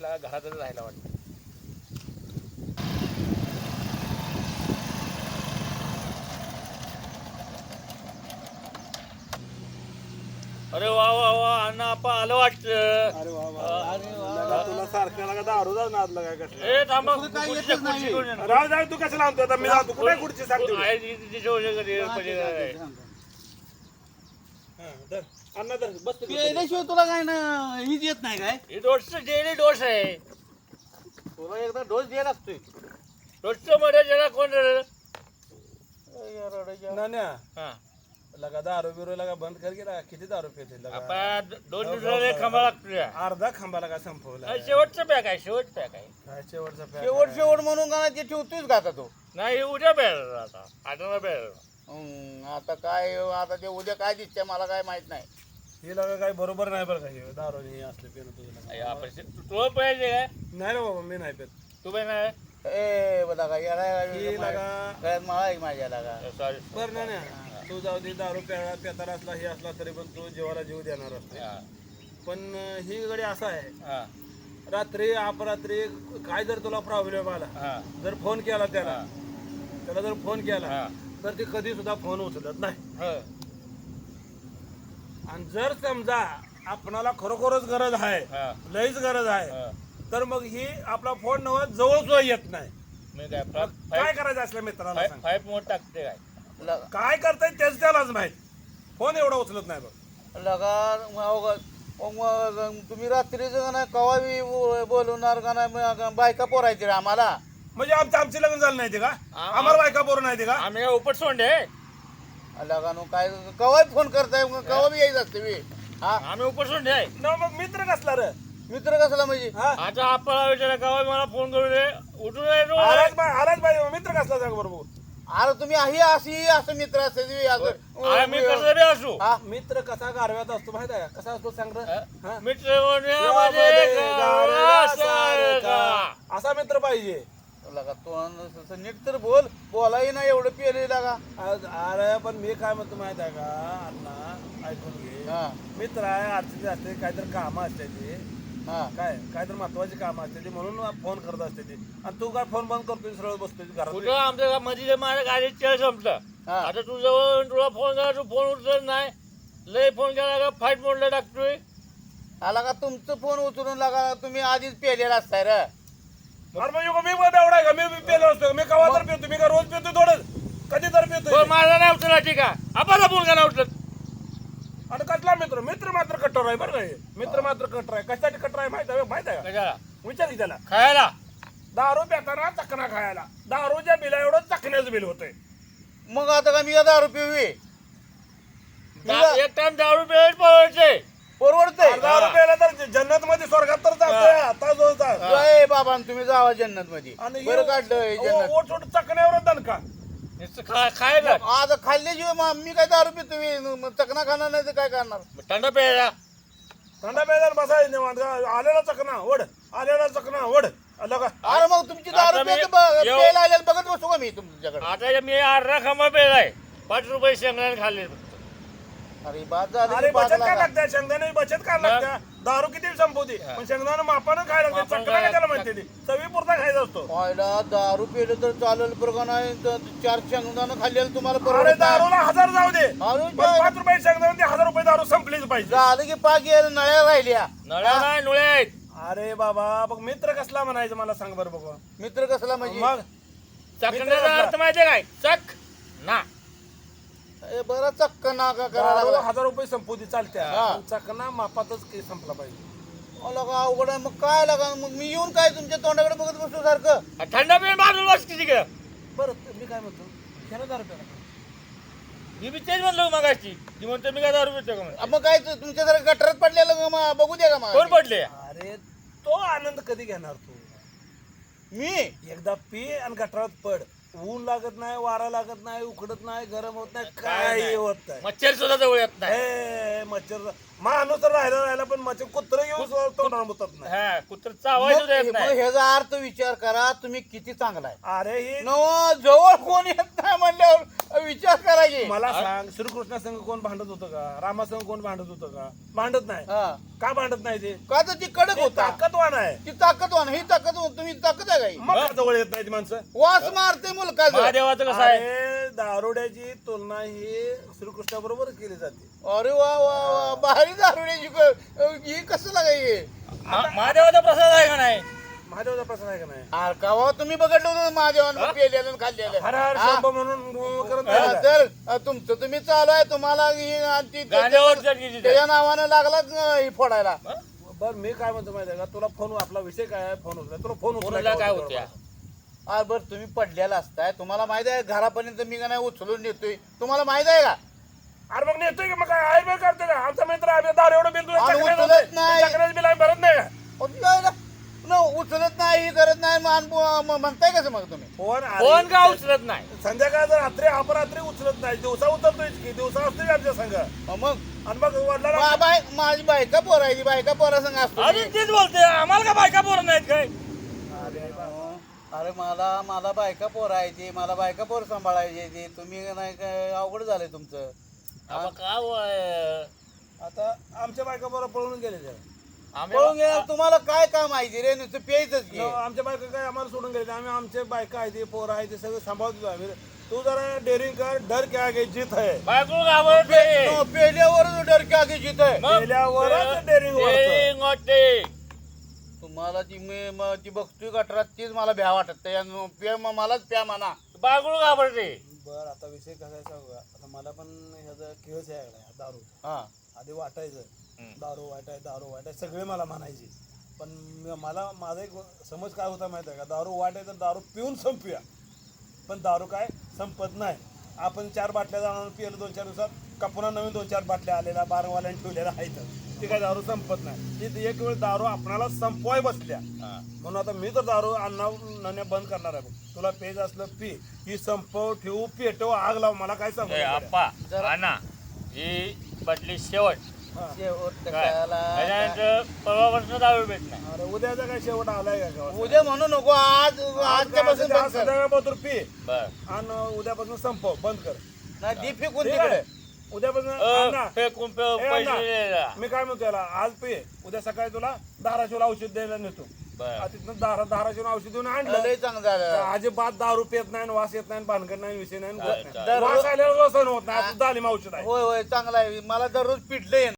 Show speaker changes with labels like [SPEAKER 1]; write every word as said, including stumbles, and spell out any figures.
[SPEAKER 1] लागा घरातच राहायला वाटतं. अरे वा वा वा अण्णा आपा आलं वाटतं.
[SPEAKER 2] अरे वा वा अरे वा तुला सारखं लागा दारू जाऊन नाद लागा कसं
[SPEAKER 1] ए थांबा
[SPEAKER 2] काय
[SPEAKER 1] खुर्ची-
[SPEAKER 2] येतच नाही.
[SPEAKER 1] खुर्ची घेऊन ये ना.
[SPEAKER 2] राव जाऊ तू कसं लावतो आता मी जातो कुठे खुर्ची सांगतो
[SPEAKER 1] आहे ती- तिच्या वजह कधी पहिले काय.
[SPEAKER 2] अण्णा धर बस तू.
[SPEAKER 3] पेल्याशिवाय तुला काय ना हीच येत नाही काय
[SPEAKER 1] ही डोस डेली डोस आहे.
[SPEAKER 3] तुला एकदा डोस द्यायला लागतोय
[SPEAKER 1] डोसचं मध्ये जरा कोण रे?
[SPEAKER 2] नान्या
[SPEAKER 1] हा
[SPEAKER 2] लगा दारू बिरू लगा बंद कर गेला किती दारू पिते लगा
[SPEAKER 1] आपण दोन दिवसाला एक खांबा लागतो या.
[SPEAKER 2] अर्धा खांबा लगा संपवला
[SPEAKER 1] हा, शेवटचं पॅक आहे शेवट पॅक आहे.
[SPEAKER 2] काय शेवटचा पॅक
[SPEAKER 3] शेवट शेवट म्हणून का ते ठेवतोयच का आता तो
[SPEAKER 1] नाही उद्या प्यायला आता आठवडा प्यायला.
[SPEAKER 3] हम्म, आता काय आता ते उद्या काय दिसते मला काय माहित नाही
[SPEAKER 2] हे लगा काय बरोबर नाही बरं का हे दारू हे असले पिणं तुझं
[SPEAKER 1] अरे
[SPEAKER 2] लगा.
[SPEAKER 1] आपण तू- तू पाहिजे काय
[SPEAKER 2] नाही रे बाबा मी नाही पित
[SPEAKER 1] तू पण नाही
[SPEAKER 3] ए बघा का याला
[SPEAKER 2] हे लगा
[SPEAKER 3] गळ्यात माळा आहे माझ्या लागा
[SPEAKER 1] सॉरी
[SPEAKER 2] बरं ना तू जाऊ दे दारू प्यायला पेताला असला हे असला तरी पण तू जीवाला जीव देणार असते पण अं, ही गडी असा आहे रात्री अपरात्री काय जर तुला प्रॉब्लेम आला जर फोन केला त्याला त्याला जर फोन केला तर ते कधी सुद्धा फोन उचलत नाही आणि जर समजा आपणाला खरोखरच गरज आहे लईच गरज आहे तर मग ही आपला फोन नव्हत जवळ सुद्धा येत नाही.
[SPEAKER 1] मी काय
[SPEAKER 2] काय करायचं असल्या मित्राला सांग.
[SPEAKER 1] फाईव्ह मोड टाकते काय
[SPEAKER 3] लगा
[SPEAKER 2] काय करताय तेच त्यालाच माहित फोन एवढा उचलत नाही बघ
[SPEAKER 3] लगा अवघड. मग मग तुम्ही रात्रीच का नाही कवा बी बो- बोलवणार का नाही मग बायका पोरायची रे आम्हाला
[SPEAKER 2] म्हणजे आमचं आमचे लग्न झालं नाही ते का आम्हाला बायका पोरं नाही ते का
[SPEAKER 1] आम्ही काय उपट सोंडे
[SPEAKER 3] लगा नो काय कवा फोन करताय मग कवा बी यायचं असते मी हा
[SPEAKER 1] आम्ही उपट सोंडे आहे.
[SPEAKER 2] न मग मित्र कसला रे
[SPEAKER 3] मित्र कसला म्हणजे
[SPEAKER 2] हा
[SPEAKER 1] आता आपला विचार का मला फोन करू दे उठून येतो.
[SPEAKER 2] आलाच बाय आलाच बाय मित्र कसला सांग बरोबर
[SPEAKER 3] अरे तुम्ही ही अशी असं मित्र असते
[SPEAKER 1] आम्ही कसं बी असू
[SPEAKER 3] हा
[SPEAKER 2] मित्र कसा गारव्यात असतो माहित आहे का? कसा असतो सांग रे हा?
[SPEAKER 1] मित्र म्हणण्यामध्ये गावा सारखा.
[SPEAKER 2] असा मित्र पाहिजे
[SPEAKER 3] लगा तो असं नीट तर बोल बोलाही ना एवढं पेले लागा
[SPEAKER 2] आज- अरे पण मी काय म्हणतो माहित आहे का अण्णा ऐकून घे
[SPEAKER 3] हा
[SPEAKER 2] मित्र आहे अडचणी असते काहीतरी कामं असते ते
[SPEAKER 3] हा
[SPEAKER 2] काय काहीतरी महत्वाची कामं असते ती म्हणून फोन करत असते ती आणि तू काय फोन बंद करतोय सरळ बसतोय घरात
[SPEAKER 1] कुठं आमच्या मध्ये माझ्या गाडीत चेळ संपलं.
[SPEAKER 3] हा.
[SPEAKER 1] आता तू जवळ तुला फोन करा तू फोन उचलत नाही लय फोन केला का फाईट मोडला टाकतोय.
[SPEAKER 3] आला का तुमचं फोन उचलून लागा तुम्ही आधीच पेलेला असताय रे
[SPEAKER 2] अरे म्हणजे मी पण एवढा आहे का मी पेलो असतो मी कवा तर पितो मी का रोज पितो थोडं कधी तर पितो
[SPEAKER 1] पण माझा नाही उचलला ठीक आहे आपला फोन का नाही उचलत.
[SPEAKER 2] आणि कसला मित्र मित्र मात्र कट्टर आहे बरं का हे? मित्र मात्र कट्टर आहे कशासाठी कट्टर आहे माहित आहे माहित आहे का
[SPEAKER 1] कशाला
[SPEAKER 2] विचार की त्याला
[SPEAKER 1] खायला
[SPEAKER 2] दारू पिताना चकना खायला दारूच्या बिला एवढं चकण्याचं बिल होतंय
[SPEAKER 3] मग आता का मी दारू पिवी
[SPEAKER 1] दा- एक टाइम दारू पेट पळवायचे
[SPEAKER 3] परवडतंय
[SPEAKER 2] दारू प्यायला तर जन्नत मध्ये स्वर्गात तर जातोय आता जो जा-
[SPEAKER 3] जय बाबा तुम्ही जावा जन्नत मध्ये
[SPEAKER 2] आणि
[SPEAKER 3] बरं काढलं हे जन्नत
[SPEAKER 2] ओट ओट चकण्यावर दणका
[SPEAKER 1] नुसतं खा- खायला
[SPEAKER 3] आता खाल्ल्याशिवाय मग मी काय दारू पितो मी मग चकना खाणार नाही तर काय करणार
[SPEAKER 1] थंड प्यायला
[SPEAKER 2] थंडा प्यायला बसायचं निवांत. आलेला चकना ओढ आलेला चकना ओढ आलं का
[SPEAKER 3] अरे मग तुमची दारू
[SPEAKER 1] आता मी-
[SPEAKER 3] प्यायचं ब-
[SPEAKER 1] येऊ-
[SPEAKER 3] प्यायला आलेलं बघत बसू का मी तुमच्याकडे
[SPEAKER 1] आता मी अर्धा खांबा पेलाय पाच रुपये शेंगदाणे खाल्ले.
[SPEAKER 3] अरे बाद झालं
[SPEAKER 2] अरे
[SPEAKER 3] की बाद
[SPEAKER 2] बचत काय
[SPEAKER 3] लागा.
[SPEAKER 2] लागते शेंगदाणे बचत काय लागते दारू किती संपवते पण शेंगदाणे मापानं खायला लागते
[SPEAKER 1] मापानं
[SPEAKER 2] चकना काय त्याला
[SPEAKER 1] खायला
[SPEAKER 2] म्हणते ती चवी पुरता खायचा असतो
[SPEAKER 3] पाहिला दारू पिलं तर चालेल बरं का नाही तर चार शेंगदाणं खाल्लेलं तुम्हाला
[SPEAKER 2] अरे
[SPEAKER 3] परवडत नाही.
[SPEAKER 2] दारूला हजार जाऊ दे
[SPEAKER 3] अरे
[SPEAKER 2] पण पाच रुपये शेंगदाणे ते हजार रुपये दारू संपलीच पाहिजे
[SPEAKER 3] झालं की पाच गेलं नळ्या राहिल्या
[SPEAKER 1] नळ्या नाही नुळे आहेत.
[SPEAKER 2] अरे बाबा बघ मित्र कसला म्हणायचं मला सांग बरं बघू
[SPEAKER 3] मित्र कसला म्हणजे
[SPEAKER 2] मग
[SPEAKER 1] चकण्याचा अर्थ माहितीये काय चक ना
[SPEAKER 3] ए, बरं चक्क नाका
[SPEAKER 2] दारू
[SPEAKER 3] करायला लागला.
[SPEAKER 2] हजार रुपये संपवती चालत्या
[SPEAKER 3] हा.
[SPEAKER 2] पण चकना मापातच काही संपला पाहिजे
[SPEAKER 3] मला का अवघड आहे मग काय लागा मग मी येऊन काय तुमच्या तोंडाकडे बघत बसतो सारखं
[SPEAKER 1] थंड पेन बाजूला बस किती तिकडं.
[SPEAKER 2] बरं मी काय म्हणतो घ्या दारू प्यायला
[SPEAKER 1] मी बी तेच म्हणलो मगाशी ती म्हणतो मी काय दारू पितो का म्हणून.
[SPEAKER 3] अ, मग काय तु- तुमच्या सारखं गटरात पडलेलं का मग बघू द्या का
[SPEAKER 1] कोण
[SPEAKER 3] मग
[SPEAKER 1] पडले
[SPEAKER 2] अरे तो आनंद कधी घेणार तू
[SPEAKER 3] मी
[SPEAKER 2] एकदा पी आणि गटारात पड ऊन लागत नाही वारा लागत नाही उकडत नाही गरम होत नाही
[SPEAKER 1] काय
[SPEAKER 2] काही
[SPEAKER 1] नाही.
[SPEAKER 2] होत नाही
[SPEAKER 1] मच्छर सुद्धा जवळ येत नाही.
[SPEAKER 2] हे मच्छर माणूस तर राहिला राहिला पण माझे कुत्र येऊन तोंडाला मुतत नाही.
[SPEAKER 1] हा कुत्र चावायचं देत
[SPEAKER 3] मग
[SPEAKER 1] नाही.
[SPEAKER 3] ह्याचा अर्थ विचार करा तुम्ही किती चांगला आहे.
[SPEAKER 2] अरे ही
[SPEAKER 3] नव जवळ कोण येत नाही म्हणल्यावर विचार करायचे.
[SPEAKER 2] मला सांग, श्रीकृष्णा संघ कोण भांडत होतं का? रामा संघ कोण भांडत होतं का? भांडत नाही.
[SPEAKER 3] हा.
[SPEAKER 2] का भांडत नाही ते?
[SPEAKER 3] का तर ती कडक
[SPEAKER 2] ते
[SPEAKER 3] होता,
[SPEAKER 2] ताकदवान आहे.
[SPEAKER 3] ती ताकदवान, ही ताकद तुम्ही ताकद आहे काही
[SPEAKER 2] मग का जवळ येत नाही ती माणसं?
[SPEAKER 3] वास मारते मुलकाचं.
[SPEAKER 1] महादेवाचं कसं आहे
[SPEAKER 2] अरे दारुड्याची तुलना ही श्रीकृष्णा बरोबर केली जाते.
[SPEAKER 3] अरे वा वा वा भारी दारुड्याची क- ही कसं लागायची.
[SPEAKER 1] मा- महादेवाचा प्रसाद आहे का नाही?
[SPEAKER 2] महादेवाचा प्रश्न आहे का नाही?
[SPEAKER 3] अरे कावा तुम्ही बघितलं होतं महादेवानं पेलेलं आणि खाल्लेलं.
[SPEAKER 2] हर हर
[SPEAKER 3] हा?
[SPEAKER 2] शंभो म्हणून गुं करत
[SPEAKER 3] हा,
[SPEAKER 2] नाही का?
[SPEAKER 3] तर अ, तुमचं तुम्ही चालू आहे तुम्हाला ही आणि ती-
[SPEAKER 1] गांजावर चटकी देतात.
[SPEAKER 3] त्याच्या नावानं लागलाच अ, ही फोडायला.
[SPEAKER 2] बरं मी काय म्हणतो माहिती आहे का, तुला फोन आपला विषय काय आहे? फोन उचला. तुला फोन
[SPEAKER 1] फोनला
[SPEAKER 2] उचलायला
[SPEAKER 1] काय
[SPEAKER 2] होतं
[SPEAKER 1] होत्या?
[SPEAKER 2] बरोबर.
[SPEAKER 3] अरे बरं तुम्ही पडलेला असताय, तुम्हाला माहित आहे घरापर्यंत मी का नाही उचलून नेतोय, तुम्हाला माहित आहे का?
[SPEAKER 2] अरे मग नेतोय की मग काय आहे बे करतो का? आमचा मित्र आम्ही दारू एवढं बिल
[SPEAKER 3] आणि उचलत नाही.
[SPEAKER 2] बिल आम्ही भरत नाही का?
[SPEAKER 3] अहो, ती काय ना, न उचलत नाही, ही करत नाही, मान- म- म्हणताय कसं मग तुम्ही?
[SPEAKER 2] फोन
[SPEAKER 1] फोन का उचलत नाही?
[SPEAKER 2] संध्याकाळ रात्री अपरात्री उचलत नाही, दिवसा उचलतोय की दिवसा असतोय का आमच्या संघ?
[SPEAKER 3] अ, मग
[SPEAKER 2] आणि मग वडिलांना
[SPEAKER 3] मा- बाय माझी बायका पोरायची, बायका पोरा संग असतो मी.
[SPEAKER 1] अजून तीच बोलते आम्हाला का बायका पोरं नाहीत काय?
[SPEAKER 3] अहो, अरे मला मला बायका पोरायची, मला बायका पोर सांभाळायची ती, तुम्ही नाही काय अवघड झालंय तुमचं.
[SPEAKER 1] आम्हा का वय?
[SPEAKER 2] आता आमच्या बायका बरोबर पळून गेले ते.
[SPEAKER 1] आम्ही
[SPEAKER 3] पळून गेला तुम्हाला काय काम माहिती रे, नुसतं प्यायचंच की.
[SPEAKER 2] न, आमच्या बायका काय आम्हाला सोडून गेले. आम्ही आमचे बायका आहे ते पोरं आहे ते सगळं सांभाळतो आम्ही. तू जरा डेअरिंग कर, डर क्या आगे जीत है.
[SPEAKER 1] बायको घाबरते.
[SPEAKER 3] पे- पेल्यावरच डरके आगे जित आहे.
[SPEAKER 1] मग
[SPEAKER 2] गेल्यावरच daring वाढतं.
[SPEAKER 1] daring वाटते.
[SPEAKER 3] तुम्हाला ती मी म- ती बघतोय गटरात तीच मला भ्या वाटत त्या- प्या म- मलाच प्या म्हणा.
[SPEAKER 1] बायको घाबरते.
[SPEAKER 2] बर आता विषय कसा आहे सांगू का? आता मला पण ह्याचा खेळच आहे लागला, दारू.
[SPEAKER 3] हा
[SPEAKER 2] आधी वाटायचं
[SPEAKER 1] हम्म.
[SPEAKER 2] दारू वाटाय दारू वाटाय सगळे मला म्हणायचे. पण म- मला माझा एक समज काय होता माहिती आहे का, दारू वाटाय तर दारू पिऊन संपूया. पण दारू काय संपत नाही. आपण चार बाटल्या जाणार पिलं दोन चार दिवसात का पुन्हा नवीन दोन चार बाटल्या आलेल्या बारवाल्याने ठेवलेल्या आहेत. ती काय दारू संपत नाही. ती एक वेळ दारू आपणाला संपवाय बसल्या.
[SPEAKER 1] हा.
[SPEAKER 2] म्हणून आता मी तर दारू अन्ना नण्या बंद करणार आहे बघ. तुला पेज असलं पी, ही संपव ठेवू पेटव आग लाव, मला काय सांगू
[SPEAKER 1] ए,
[SPEAKER 2] नको.
[SPEAKER 1] आप्पा आणा ही बाटली शेवट.
[SPEAKER 2] हा.
[SPEAKER 3] शेवट
[SPEAKER 1] काय?
[SPEAKER 3] कशाला
[SPEAKER 1] त्याच्यानंतर परवापासून दारू भेट नाही.
[SPEAKER 2] अरे उद्याचा काय शेवट आलाय का गावात?
[SPEAKER 3] उद्या म्हणू नको, आज आजच्यापासून बंद कर.
[SPEAKER 2] संध्याकाळपासून पी
[SPEAKER 1] बर
[SPEAKER 2] आणि उद्यापासून संपव बंद कर.
[SPEAKER 3] नाही दी फेकून
[SPEAKER 2] ठीक
[SPEAKER 3] तिकडे.
[SPEAKER 2] आहे? उद्यापासून
[SPEAKER 1] अ,
[SPEAKER 2] अण्णा,
[SPEAKER 1] फेकून पे-
[SPEAKER 2] ए,
[SPEAKER 1] पैसे
[SPEAKER 2] अण्णा,
[SPEAKER 1] दिलेला.
[SPEAKER 2] मी काय म्हणतो याला, आज पी उद्या सकाळी तुला धाराशिवला औषध द्यायला नेतो.
[SPEAKER 1] बर
[SPEAKER 2] तिथनं धारा धाराशिवून औषध देऊन आणलं.
[SPEAKER 3] लय चांगलं झालं.
[SPEAKER 2] अजिबात दारू पेत नाही, वास येत नाही, भानगड नाही, विषय नाही,
[SPEAKER 1] चालेल,
[SPEAKER 2] गत
[SPEAKER 1] चालेल.
[SPEAKER 2] नाही. वास आल्यावर व्यसन होत नाही. दालिम औषध आहे.
[SPEAKER 3] होय होय चांगला आहे, मला दररोज पिडलं